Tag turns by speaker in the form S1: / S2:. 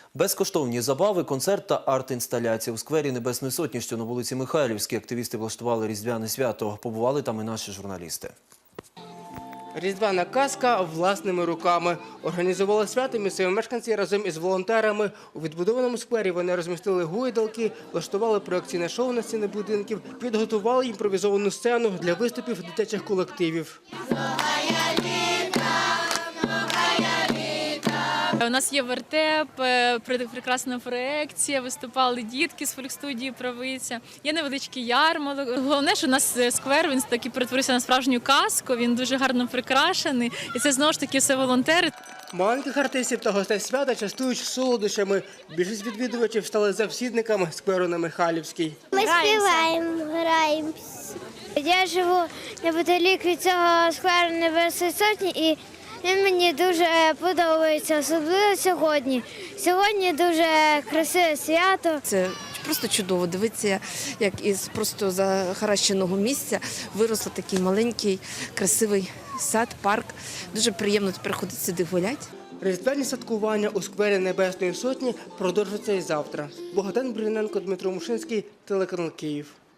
S1: Безкоштовні забави, концерт та арт-інсталяція. У сквері Небесної Сотні, що на вулиці Михайлівській, активісти влаштували різдвяне свято. Побували там і наші журналісти.
S2: Різдвяна казка власними руками. Організували свято місцеві мешканці разом із волонтерами. У відбудованому сквері вони розмістили гойдалки, влаштували проекційне шоу на стіни будинків, підготували імпровізовану сцену для виступів дитячих колективів.
S3: У нас є вертеп, прекрасна проекція, виступали дітки з фольк-студії «Правиця». Є невеличкий ярмарок. Головне, що у нас сквер, він таки перетворився на справжню казку, він дуже гарно прикрашений. І це знову ж таки все волонтери.
S2: Маленьких артистів та гостей свята частують солодощами. Більшість відвідувачів стали завсідниками скверу на Михайлівській.
S4: Ми співаємо, граємося. Я живу неподалік від цього скверу Небесної Сотні і він мені дуже подобається, особливо сьогодні. Сьогодні дуже красиве свято.
S5: Це просто чудово дивитися, як із просто захаращеного місця виросло такий маленький, красивий сад, парк. Дуже приємно приходити сюди гуляти.
S2: Різдвяні святкування у сквері Небесної Сотні продовжаться і завтра. Богдан Бриненко, Дмитро Мушинський, телеканал Київ.